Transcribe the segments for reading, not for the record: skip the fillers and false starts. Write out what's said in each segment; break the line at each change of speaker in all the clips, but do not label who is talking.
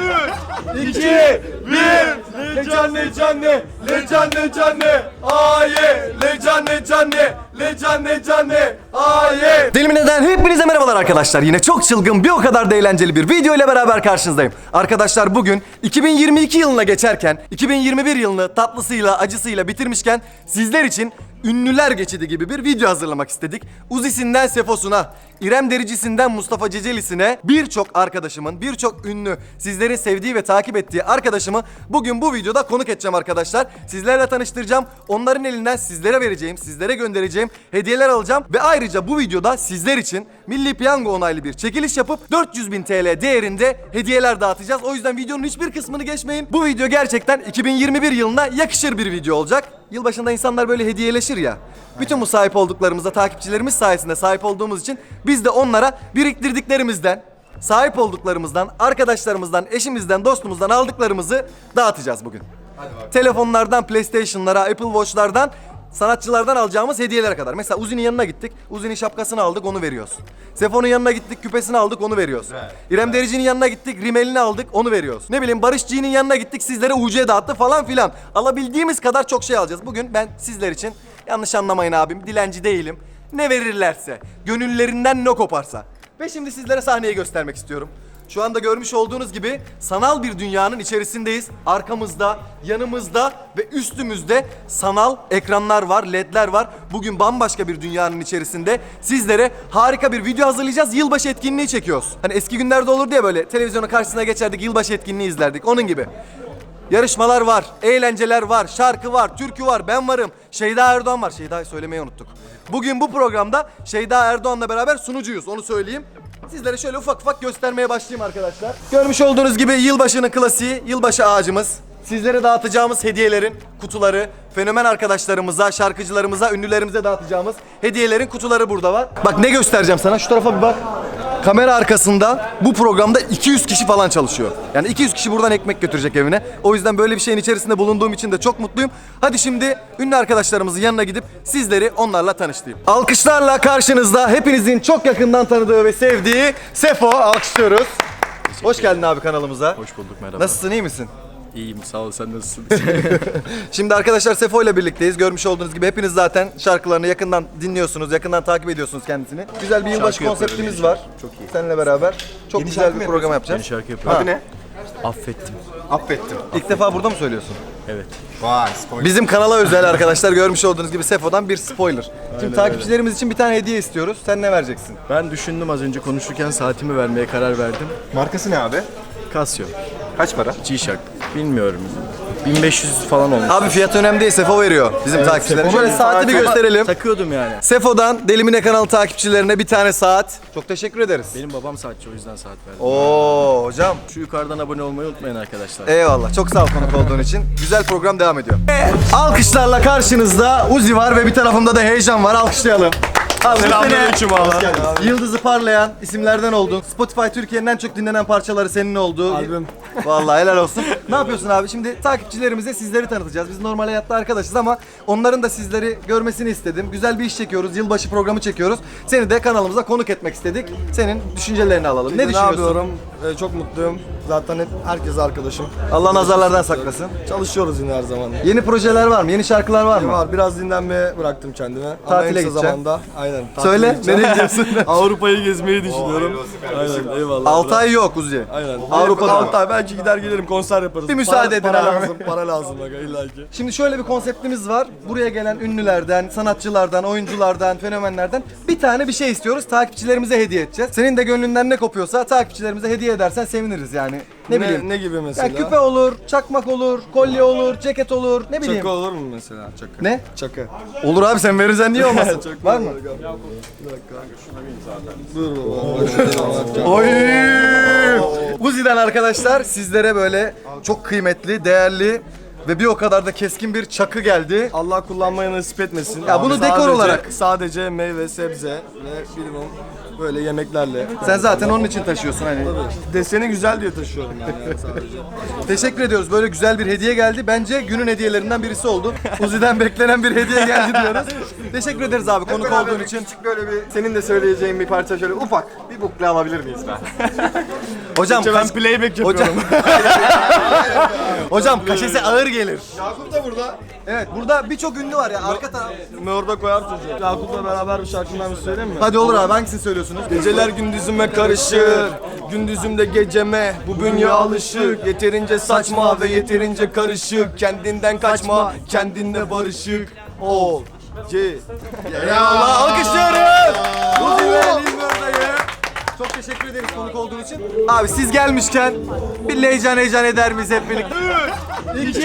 2, 1. Lecanne canne, lecanne canne, aye, lecanne canne, lecanne canne, aye. Deli mi neden? Hepinize merhabalar arkadaşlar. Yine çok çılgın, bir o kadar da eğlenceli bir video ile beraber karşınızdayım. Arkadaşlar bugün 2022 yılına geçerken, 2021 yılını tatlısıyla, acısıyla bitirmişken sizler için ünlüler geçidi gibi bir video hazırlamak istedik. Uzi'sinden Sefos'una, İrem Derici'sinden Mustafa Ceceli'sine birçok arkadaşımın, birçok ünlü, sizlerin sevdiği ve takip ettiği arkadaşımı bugün bu videoda konuk edeceğim arkadaşlar. Sizlerle tanıştıracağım. Onların elinden sizlere vereceğim, sizlere göndereceğim hediyeler alacağım. Ve ayrıca bu videoda sizler için Milli Piyango onaylı bir çekiliş yapıp 400.000 TL değerinde hediyeler dağıtacağız. O yüzden videonun hiçbir kısmını geçmeyin. Bu video gerçekten 2021 yılına yakışır bir video olacak. Yılbaşında insanlar böyle hediyeleşir ya. Bütün bu sahip olduklarımıza takipçilerimiz sayesinde sahip olduğumuz için biz de onlara biriktirdiklerimizden, sahip olduklarımızdan, arkadaşlarımızdan, eşimizden, dostumuzdan aldıklarımızı dağıtacağız bugün. Telefonlardan, PlayStation'lara, Apple Watch'lardan, sanatçılardan alacağımız hediyelere kadar. Mesela Uzi'nin yanına gittik, Uzi'nin şapkasını aldık, onu veriyoruz. Sefo'nun yanına gittik, küpesini aldık, onu veriyoruz. İrem Derici'nin yanına gittik, rimelini aldık, onu veriyoruz. Ne bileyim Barış G'nin yanına gittik, sizlere UC dağıttı falan filan. Alabildiğimiz kadar çok şey alacağız. Bugün ben sizler için, yanlış anlamayın abim, dilenci değilim. Ne verirlerse, gönüllerinden ne koparsa. Ve şimdi sizlere sahneyi göstermek istiyorum. Şu anda görmüş olduğunuz gibi sanal bir dünyanın içerisindeyiz. Arkamızda, yanımızda ve üstümüzde sanal ekranlar var, ledler var. Bugün bambaşka bir dünyanın içerisinde sizlere harika bir video hazırlayacağız. Yılbaşı etkinliği çekiyoruz. Hani eski günlerde olur diye böyle televizyonun karşısına geçerdik, yılbaşı etkinliği izlerdik. Onun gibi. Yarışmalar var, eğlenceler var, şarkı var, türkü var, ben varım. Şeyda Erdoğan var. Şeyda'yı söylemeyi unuttuk. Bugün bu programda Şeyda Erdoğan'la beraber sunucuyuz, onu söyleyeyim. Sizlere şöyle ufak ufak göstermeye başlayayım arkadaşlar. Görmüş olduğunuz gibi yılbaşının klasiği, yılbaşı ağacımız. Sizlere dağıtacağımız hediyelerin kutuları, fenomen arkadaşlarımıza, şarkıcılarımıza, ünlülerimize dağıtacağımız hediyelerin kutuları burada var. Bak ne göstereceğim sana, şu tarafa bir bak. Kamera arkasında bu programda 200 kişi falan çalışıyor. Yani 200 kişi buradan ekmek götürecek evine. O yüzden böyle bir şeyin içerisinde bulunduğum için de çok mutluyum. Hadi şimdi ünlü arkadaşlarımızın yanına gidip sizleri onlarla tanıştırayım. Alkışlarla karşınızda hepinizin çok yakından tanıdığı ve sevdiği Sefo, alkışlıyoruz. Hoş geldin abi kanalımıza.
Hoş bulduk, merhaba.
Nasılsın, iyi misin?
İyiyim, sağ ol, sen nasılsın?
Şimdi arkadaşlar Sefo ile birlikteyiz. Görmüş olduğunuz gibi hepiniz zaten şarkılarını yakından dinliyorsunuz, yakından takip ediyorsunuz kendisini. Güzel bir yılbaşı konseptimiz var. Çok iyi. Seninle beraber çok güzel bir program yapacağız.
Yeni şarkı yapıyorum.
Adı ne?
Affettim.
Affettim. İlk defa burada mı söylüyorsun?
Evet.
Vay, spoiler.
Bizim kanala özel arkadaşlar, görmüş olduğunuz gibi Sefo'dan bir spoiler. Şimdi takipçilerimiz için bir tane hediye istiyoruz. Sen ne vereceksin?
Ben düşündüm, az önce konuşurken saatimi vermeye karar verdim.
Markası ne abi?
Casio.
Kaç para?
G-Shock. Bilmiyorum. 1500 falan olmuş.
Abi fiyat önemli değil, Sefo veriyor bizim takipçilerimize. Şöyle saati bir gösterelim.
Takıyordum yani.
Sefo'dan Delimine kanalı takipçilerine bir tane saat. Çok teşekkür ederiz.
Benim babam saatçi, o yüzden saat verdim.
Oo hocam.
Şu yukarıdan abone olmayı unutmayın arkadaşlar.
Eyvallah. Çok sağ ol konuk olduğun için. Güzel program devam ediyor. Alkışlarla karşınızda Uzi var ve bir tarafımda da Heyecan var. Alkışlayalım.
Selamünaleyküm abi.
Yıldızı parlayan isimlerden oldun. Spotify Türkiye'nin en çok dinlenen parçaları senin oldu.
Albüm.
Vallahi helal olsun. Ne yapıyorsun abi? Şimdi takipçilerimize sizleri tanıtacağız. Biz normal hayatta arkadaşız ama onların da sizleri görmesini istedim. Güzel bir iş çekiyoruz. Yılbaşı programı çekiyoruz. Seni de kanalımıza konuk etmek istedik. Senin düşüncelerini alalım. Ne düşünüyorsun?
yapıyorum? Çok mutluyum. Zaten hep herkes arkadaşım.
Allah nazarlardan saklasın.
Çalışıyoruz yine her zaman.
Yeni projeler var mı? Yeni şarkılar var mı?
Var. Biraz dinlenmeye bıraktım kendime. Ama
Tatile
en kısa
gideceksin.
zamanda. Aynen. tatile
Söyle.
gideceğim.
Nereye gidiyorsun?
Avrupa'yı gezmeyi düşünüyorum. Aynen, eyvallah.
6 ay yok Uzi.
Aynen.
Avrupa'da.
6 ay belki gider gelirim, konser yaparız.
Bir müsaade edin
para
abi.
lazım, para lazım bak illa ki.
Şimdi şöyle bir konseptimiz var. Buraya gelen ünlülerden, sanatçılardan, oyunculardan, fenomenlerden bir tane bir şey istiyoruz. Takipçilerimize hediye edeceğiz. Senin de gönlünden ne kopuyorsa takipçilerimize hediye edersen seviniriz yani. Ne bileyim.
Ne gibi mesela?
Ya küpe olur, çakmak olur, kolye olur, ceket olur, ne bileyim.
Çakı olur mu mesela? Çakı.
Ne?
Çakı.
Olur abi, sen verirsen niye olmasın?
Çok
Var mı?
Bir dakika. Dur baba.
Oy! Uzi'den arkadaşlar sizlere böyle çok kıymetli, değerli ve bir o kadar da keskin bir çakı geldi.
Allah kullanmayı nasip etmesin.
Ya bunu dekor olarak.
Sadece meyve, sebze ve bilimum Böyle yemeklerle.
Sen zaten onun için taşıyorsun hani.
Deseni güzel diye taşıyorum yani sadece.
Teşekkür ediyoruz. Böyle güzel bir hediye geldi. Bence günün hediyelerinden birisi oldu. Uzi'den beklenen bir hediye geldi diyoruz. Teşekkür ederiz abi konuk olduğun için.
Küçük böyle bir senin de söyleyeceğin bir parça şöyle ufak bir bukle alabilir miyiz ben?
Hocam
Ben playback yapıyorum.
hocam kaşesi ağır gelir.
Yakup da burada.
Evet burada birçok ünlü var ya arka taraf.
Orada koyar çocuğu. Yakup'la beraber bir şarkımdan bir söyleyeyim mi?
Hadi olur abi hangisini söylüyorsunuz?
Geceler gündüzüme karışır, gündüzümde geceme. Bu bünye alışık, yeterince saçma ve yeterince karışık. Kendinden kaçma, kendinle barışık. Ol.
Allah alkışlıyoruz. Uzi ve Lingarda'yı. Çok teşekkür ederiz konuk olduğun için. Abi siz gelmişken bir heyecan eder miyiz hep birlikte?
2,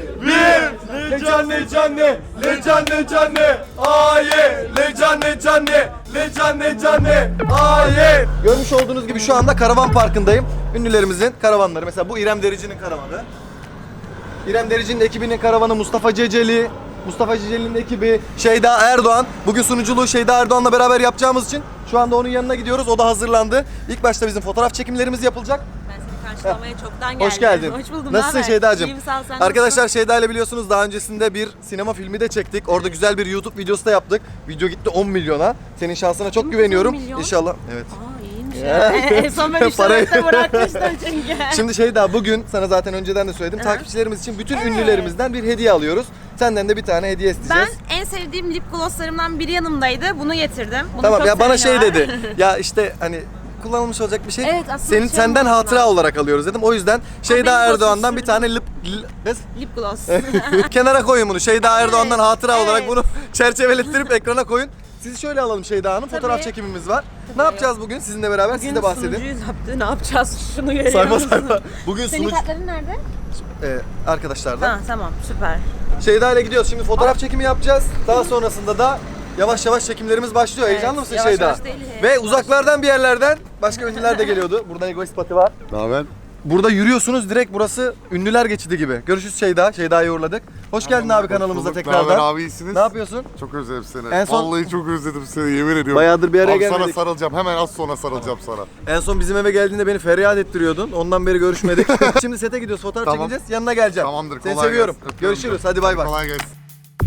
1, Lecanne canne, Lecanne canne, aye, Lecanne canne, Lecanne canne, aye.
Görmüş olduğunuz gibi şu anda karavan parkındayım. Ünlülerimizin karavanları. Mesela bu İrem Derici'nin karavanı. İrem Derici'nin ekibinin karavanı Mustafa Ceceli. Mustafa Ceceli'nin ekibi Şeyda Erdoğan. Bugün sunuculuğu Şeyda Erdoğan'la beraber yapacağımız için şu anda onun yanına gidiyoruz. O da hazırlandı. İlk başta bizim fotoğraf çekimlerimiz yapılacak.
Ben seni karşılamaya çoktan geldim.
Hoş geldin.
Hoş buldum.
Nasılsın
naber?
Şeydacığım?
İyiyim, sağ ol, sen
Arkadaşlar Şeyda ile biliyorsunuz daha öncesinde bir sinema filmi de çektik. Orada güzel bir YouTube videosu da yaptık. Video gitti 10 milyona. Senin şansına çok güveniyorum.
10 milyon?
İnşallah. Evet.
nasılsın? Aa iyiymiş ya. En son ben
Parayı-
işlemekte bırakmıştım çünkü.
Şimdi Şeyda bugün sana zaten önceden de söyledim. Takipçilerimiz için bütün ünlülerimizden bir hediye alıyoruz. Senden de bir tane hediye
Ben
isteyeceğiz.
en sevdiğim lip glosslarımdan biri yanımdaydı. Bunu getirdim. Bunu
Tamam
çok
ya bana
seveni
şey
var.
dedi. Ya işte hani kullanılmış olacak bir şey.
Evet, aslında şey
Senden
olmasın
hatıra
lazım.
olarak alıyoruz dedim. O yüzden Şeyda
benim
Erdoğan'dan
glossum
bir tane kız
Lip gloss.
kenara koyun bunu. Şeyda Erdoğan'dan hatıra
evet.
olarak bunu çerçevelettirip ekrana koyun. Sizi şöyle alalım Şeyda Hanım. Fotoğraf
Tabii.
çekimimiz var. Ne yapacağız bugün sizinle beraber? Siz de bahsedin.
Sunucuyuz yaptı. Ne yapacağız? Şunu görüyor
Sayfa
musun?
sayfa. Bugün
Senin
sunucu
kartların nerede?
arkadaşlardan.
Ha tamam süper.
Şeyda ile gidiyoruz. Şimdi fotoğraf çekimi yapacağız. Daha sonrasında da yavaş yavaş çekimlerimiz başlıyor.
Evet,
Heyecanlı mısın
yavaş
Şeyda?
yavaş değil,
Ve
yavaş.
uzaklardan bir yerlerden başka ünlüler de geliyordu. Burada Egoist Pati var.
Ne haber?
Burada yürüyorsunuz direkt burası ünlüler geçidi gibi. Görüşürüz Şeyda. Şeyda'yı uğurladık. Hoş geldin abi kanalımıza
Bulduk.
tekrardan.
Ne haber abi, iyisiniz?
Ne yapıyorsun?
Çok özledim seni.
En son-
Vallahi çok özledim seni, yemin ediyorum.
Bayağıdır bir araya
Abi sana
gelmedik.
sarılacağım, hemen az sonra sarılacağım sana.
En son bizim eve geldiğinde beni feryat ettiriyordun. Ondan beri görüşmedik. Şimdi sete gidiyoruz. Fotoğraf
Tamam.
çekeceğiz. Yanına geleceğim.
Tamamdır,
Seni
kolay
seviyorum.
gelsin. Öpüyorum
Görüşürüz.
canım.
Hadi bay bay.
Kolay gelsin.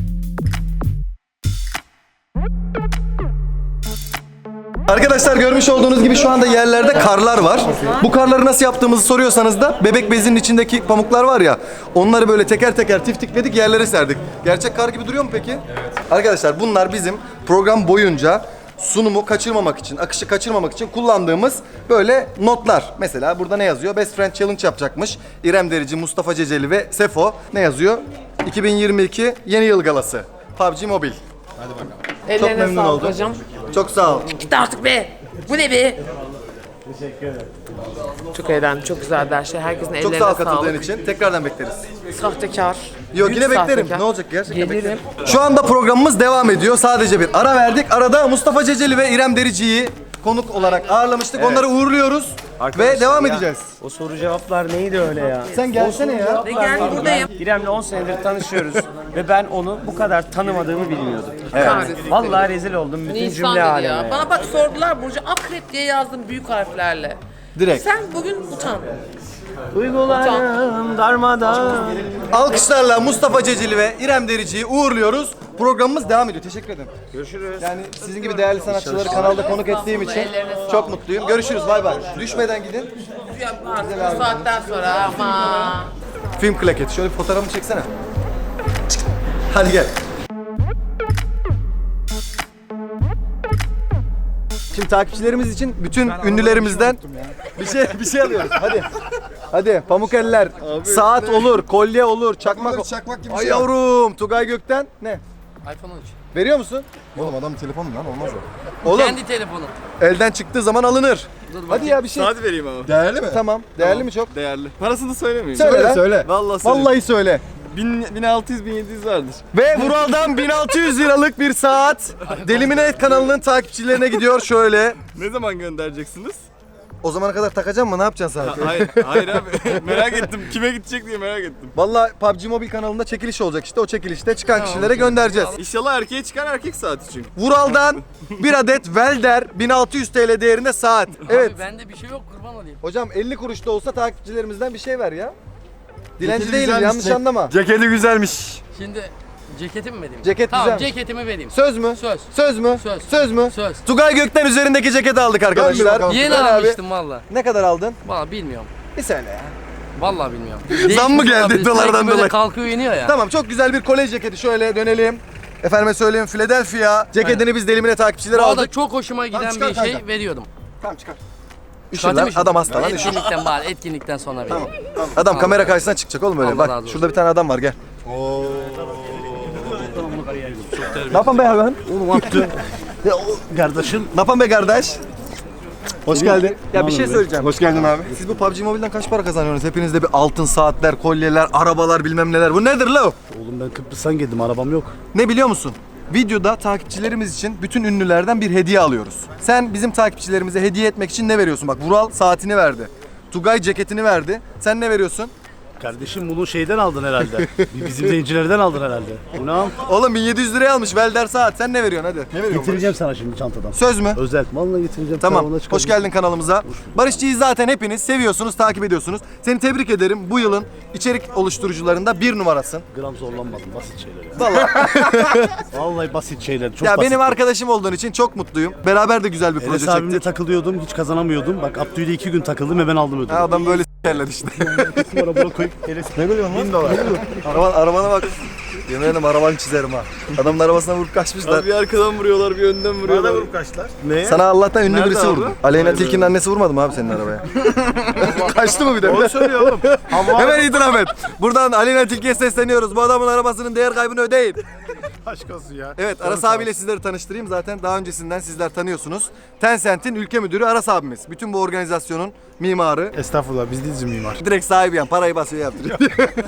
Arkadaşlar görmüş olduğunuz gibi şu anda yerlerde karlar var. Bu karları nasıl yaptığımızı soruyorsanız da bebek bezinin içindeki pamuklar var ya, onları böyle teker teker tiftikledik, yerlere serdik. Gerçek kar gibi duruyor mu peki? Evet. Arkadaşlar bunlar bizim program boyunca sunumu kaçırmamak için, akışı kaçırmamak için kullandığımız böyle notlar. Mesela burada ne yazıyor? Best Friend Challenge yapacakmış. İrem Derici, Mustafa Ceceli ve Sefo. Ne yazıyor? 2022 Yeni Yıl Galası. PUBG Mobile.
Ellerine
memnun
sağlık
oldum.
hocam.
Çok sağ ol.
Git artık be. Bu ne be? Teşekkür ederim. Çok eğlendim. Çok güzeldi her şey. Herkesin
Çok
ellerine
sağ ol
sağlık.
katıldığın için. Tekrardan bekleriz.
Sahtekar.
Yok
Büyük
yine beklerim.
sahtekar.
Ne olacak gerçekten
Gelirim.
beklerim. Şu anda programımız devam ediyor. Sadece bir ara verdik. Arada Mustafa Ceceli ve İrem Derici'yi konuk olarak ağırlamıştık. Onları uğurluyoruz ve devam edeceğiz.
O soru cevaplar neydi öyle ya?
Sen gelsene ya.
Ve gel buradayım.
İrem'le 10 senedir tanışıyoruz ve ben onu bu kadar tanımadığımı bilmiyordum.
Kahretsin.
Vallahi rezil oldum bütün
İnsan
cümle
dedi
aleme.
ya. Bana bak sordular Burcu. Akrep diye yazdım büyük harflerle.
Direkt.
Sen bugün utan.
Duygularım darmadan.
Alkışlarla Mustafa Ceceli ve İrem Derici'yi uğurluyoruz. Programımız devam ediyor. Teşekkür ederim. Görüşürüz. Yani sizin gibi değerli sanatçıları kanalda konuk ettiğim için çok mutluyum. Görüşürüz. Bay bay. Düşmeden gidin.
Artık bu saatten sonra ama.
Film klaketi. Şöyle bir fotoğrafımı çeksene. Hadi gel. Şimdi takipçilerimiz için bütün ünlülerimizden bir şey alıyoruz. Hadi. Hadi pamuk eller. Saat olur, kolye olur, çakmak.
Çakmak gibi bir
Ay
şey.
yavrum, Tugay Gökten ne?
iPhone 13.
Veriyor musun?
Oğlum adam telefonu lan, olmaz o.
Oğlum
Kendi telefonu.
elden çıktığı zaman alınır. Hadi ya bir şey.
Saat vereyim ama.
Değerli mi?
Tamam. Değerli mi çok?
Değerli. Parasını söylemeyeyim.
Söyle lan.
söyle.
Vallahi söyleyeyim.
Vallahi söyle.
1600-1700 vardır.
Ve Vural'dan 1600 liralık bir saat Delimine kanalının takipçilerine gidiyor şöyle.
Ne zaman göndereceksiniz?
O zamana kadar takacağım mı? Ne yapacaksın sanki?
Hayır abi. Merak ettim. Kime gidecek diye merak ettim.
Vallahi PUBG Mobile kanalında çekiliş olacak işte. O çekilişte çıkan kişilere göndereceğiz.
İnşallah erkeğe çıkar erkek saati çünkü.
Vural'dan bir adet Welder 1600 TL değerinde saat. Evet.
Abi bende bir şey yok kurban olayım.
Hocam 50 kuruş da olsa takipçilerimizden bir şey ver ya. Dilenci
Ceketi
değilim
güzelmiş,
yanlış anlama.
Ceketi güzelmiş.
Şimdi ceketimi mi vereyim?
Ceket
tamam,
güzel.
ceketimi vereyim.
Söz mü?
Söz.
Söz mü?
Söz.
Söz mü?
Söz.
Tugay Gökten üzerindeki ceketi aldık arkadaşlar.
bakalım.
Yeni
Tugay abi,
almıştım valla.
ne kadar aldın?
Valla bilmiyorum.
Bir söyle ya.
Valla bilmiyorum.
Zam mı geldi
Değişmiş
dolardan
olabilir. Sürekli
dolayı?
böyle kalkıyor iniyor ya.
Tamam çok güzel bir kolej ceketi. Şöyle dönelim. Efendime söyleyeyim Philadelphia ceketini biz delimine takipçileri
Bu arada
aldık.
çok hoşuma giden
çıkar
bir şey
kanka.
veriyordum.
Tamam çıkar.
Çıkartayım
Üşür lan adam hasta lan üşür.
Etkinlikten bari etkinlikten sonra vereyim.
Adam kamera karşısına çıkacak oğlum öyle.
Allah
Bak
razı olsun.
şurada bir tane adam var gel. Ne yapan be hayvan?
Oğlum attı. Kardeşim.
Ne yapan be kardeş? Hoş geldin. Ya bir şey
be?
söyleyeceğim.
Hoş geldin abi.
Siz bu PUBG Mobile'den kaç para kazanıyorsunuz? Hepinizde bir altın saatler, kolyeler, arabalar bilmem neler. Bu nedir la?
Oğlum ben Kıbrıs'tan geldim, arabam yok.
Ne biliyor musun? Videoda takipçilerimiz için bütün ünlülerden bir hediye alıyoruz. Sen bizim takipçilerimize hediye etmek için ne veriyorsun? Bak Vural saatini verdi. Tugay ceketini verdi. Sen ne veriyorsun?
Kardeşim bunu şeyden aldın herhalde. Bizim zencilerden aldın herhalde. Bunu al.
Oğlum 1700 liraya almış Welder saat. Sen ne veriyorsun hadi? Ne veriyorsun?
Getireceğim sana şimdi çantadan.
Söz mü?
Özel. Vallahi getireceğim.
Tamam.
Karavana
Hoş
çıkaracağım.
geldin kanalımıza. Barışçı'yı zaten hepiniz seviyorsunuz, takip ediyorsunuz. Seni tebrik ederim. Bu yılın içerik oluşturucularında bir numarasın.
Gram zorlanmadım. Basit şeyler ya.
Vallahi.
Vallahi basit şeyler. Çok
Ya
basit.
benim arkadaşım olduğun için çok mutluyum. Beraber de güzel bir proje
Enes abimle
çektik.
takılıyordum. Hiç kazanamıyordum. Bak Abdü'yle 2 gün takıldım ve ben aldım ödülü.
Ha, adam böyle s**erledi işte.
Sonra buna koyup Enes.
Ne gülüyorsun lan? 1000 dolar. Arabana bak. Yemin ederim arabanı çizerim ha. Adamın arabasına vurup kaçmışlar.
Bir arkadan vuruyorlar bir önden vuruyorlar.
Ne?
Sana Allah'tan ünlü
Nerede
birisi
abi?
vurdu. Aleyna Tilki'nin annesi vurmadı mı abi senin arabaya? Kaçtı mı bir de?
Doğru söylüyor oğlum.
Hemen itiraf et. Buradan Aleyna Tilki'ye sesleniyoruz. Bu adamın arabasının değer kaybını ödeyin.
Aşk olsun ya.
Evet Aras abiyle sizleri tanıştırayım. Zaten daha öncesinden sizler tanıyorsunuz. Tencent'in ülke müdürü Aras abimiz. Bütün bu organizasyonun mimarı.
Estağfurullah biz değiliz mimar.
Direkt sahibi yani parayı basıyor yaptırıyor.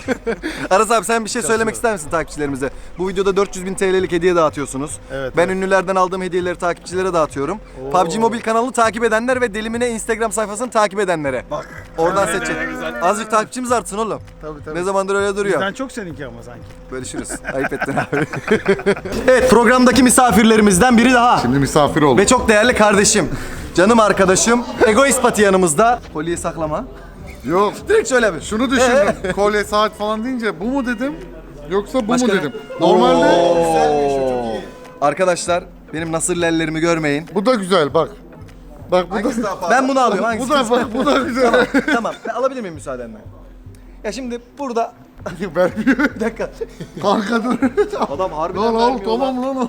Aras abi sen bir şey söylemek ister misin takipçilerimize? Bu videoda 400.000 TL'lik hediye dağıtıyorsunuz.
Evet,
Ben ünlülerden aldığım hediyeleri takipçilere dağıtıyorum. PUBG Mobile kanalını takip edenler ve Delimine Instagram sayfasını takip edenlere. Bak. Oradan seçin. Azıcık takipçimiz artsın oğlum.
Tabii.
Ne zamandır öyle duruyor.
Bizden çok seninki ama sanki.
Bölüşürüz. Ayıp ettin abi. Evet programdaki misafirlerimizden biri daha.
Şimdi misafir oldum.
Ve çok değerli kardeşim. Canım arkadaşım. Egoist Pati yanımızda. Kolyeyi saklama.
Yok.
Direkt söyle bir.
Şunu düşündüm. Kolye saat falan deyince bu mu dedim? Yoksa bu
Başka
mu
ne?
dedim? Normalde
Arkadaşlar benim nasırlı ellerimi görmeyin.
bu da güzel bak. Bak bu da
Ben bunu alıyorum. Hangisi?
bu da bak bu da güzel.
Tamam. Ben alabilir miyim müsaadenle? Ya şimdi burada
Vermiyor.
bir dakika.
Kanka dur.
Adam harbiden
Lan al
vermiyor
tamam lan al.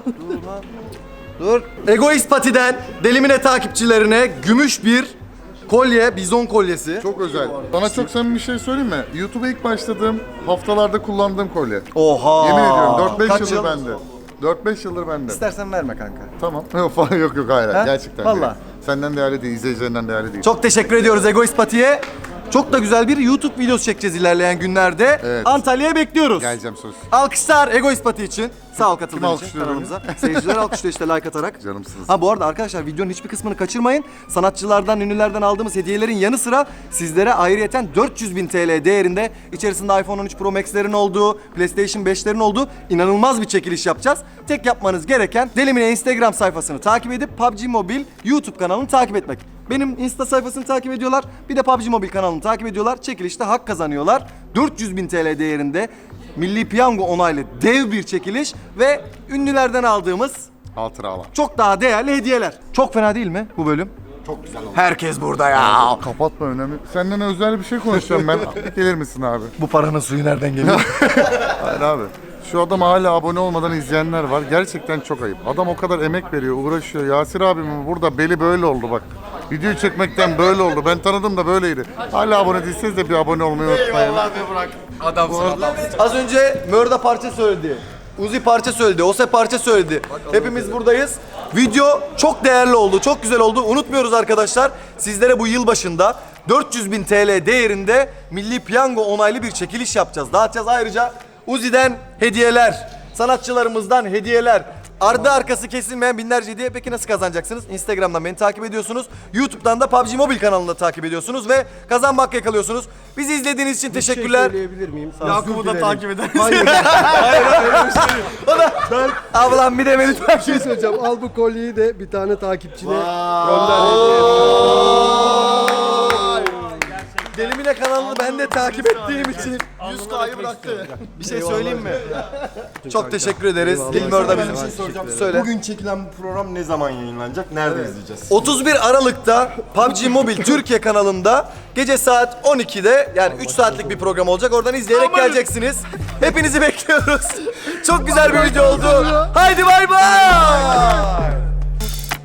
Dur. Egoist Pati'den Delimine takipçilerine gümüş bir kolye, bizon kolyesi.
Çok özel. Sana çok samimi bir şey söyleyeyim mi? YouTube'a ilk başladığım haftalarda kullandığım kolye.
Oha.
Yemin ediyorum 4-5
Kaç
yıldır
yıl?
bende. 4-5 yıldır bende.
İstersen verme kanka.
Tamam. Yok falan yok hayır.
Ha?
Gerçekten.
Vallahi.
değil. Senden değerli değil, izleyicilerinden değerli değil.
Çok teşekkür ediyoruz Egoist Pati'ye. Çok da güzel bir YouTube videosu çekeceğiz ilerleyen günlerde.
Evet.
Antalya'ya bekliyoruz.
Geleceğim söz.
Alkışlar Egoist Pati için. Sağ ol katıldığın için
alkışlıyorum?
kanalımıza. Seyirciler alkışlıyor işte like atarak.
Canımsınız.
Ha bu arada arkadaşlar videonun hiçbir kısmını kaçırmayın. Sanatçılardan, ünlülerden aldığımız hediyelerin yanı sıra sizlere ayrıyeten 400.000 TL değerinde içerisinde iPhone 13 Pro Max'lerin olduğu, PlayStation 5'lerin olduğu inanılmaz bir çekiliş yapacağız. Tek yapmanız gereken Delimine Instagram sayfasını takip edip PUBG Mobile YouTube kanalını takip etmek. Benim Insta sayfasını takip ediyorlar. Bir de PUBG Mobile kanalını takip ediyorlar. Çekilişte hak kazanıyorlar. 400.000 TL değerinde Milli Piyango onaylı dev bir çekiliş ve ünlülerden aldığımız
Hatıralar.
çok daha değerli hediyeler. Çok fena değil mi bu bölüm?
Çok güzel oldu.
Herkes burada ya.
Kapatma önemli. Senden özel bir şey konuşacağım ben. Gelir misin abi?
Bu paranın suyu nereden geliyor?
Hayır abi. Şu adam hala abone olmadan izleyenler var. Gerçekten çok ayıp. Adam o kadar emek veriyor, uğraşıyor. Yasir abimin burada beli böyle oldu bak. Videoyu çekmekten böyle oldu. Ben tanıdım da böyleydi. Hala abone değilseniz de bir abone olmayı unutmayın.
Az önce Mörda parça söyledi. Uzi parça söyledi, Ose parça söyledi. Hepimiz buradayız. Video çok değerli oldu, çok güzel oldu. Unutmuyoruz arkadaşlar. Sizlere bu yıl başında 400.000 TL değerinde Milli Piyango onaylı bir çekiliş yapacağız. Dağıtacağız ayrıca Uzi'den hediyeler, sanatçılarımızdan hediyeler, ardı arkası kesilmeyen binlerce hediye. Peki nasıl kazanacaksınız? Instagram'dan beni takip ediyorsunuz. YouTube'dan da PUBG Mobile kanalında takip ediyorsunuz ve kazanmak yakalıyorsunuz. Bizi izlediğiniz için teşekkürler.
Söyleyebilir miyim?
Yakup'u da takip eder.
O da ablam bir de beni
Bir şey söyleyeceğim. Al bu kolyeyi de bir tane takipçine gönder.
Delimine kanalını ben de takip ettiğim için
100K'yı bıraktı.
bir şey söyleyeyim mi? Çok teşekkür ederiz. Dilmör da bizim.
Bir şey soracağım.
Söyle.
Bugün çekilen bu program ne zaman yayınlanacak? Nerede izleyeceğiz?
31 Aralık'ta PUBG Mobile Türkiye kanalında gece saat 12'de yani 3 saatlik bir program olacak. Oradan izleyerek geleceksiniz. Hepinizi bekliyoruz. Çok güzel bir video oldu. Haydi bay bay.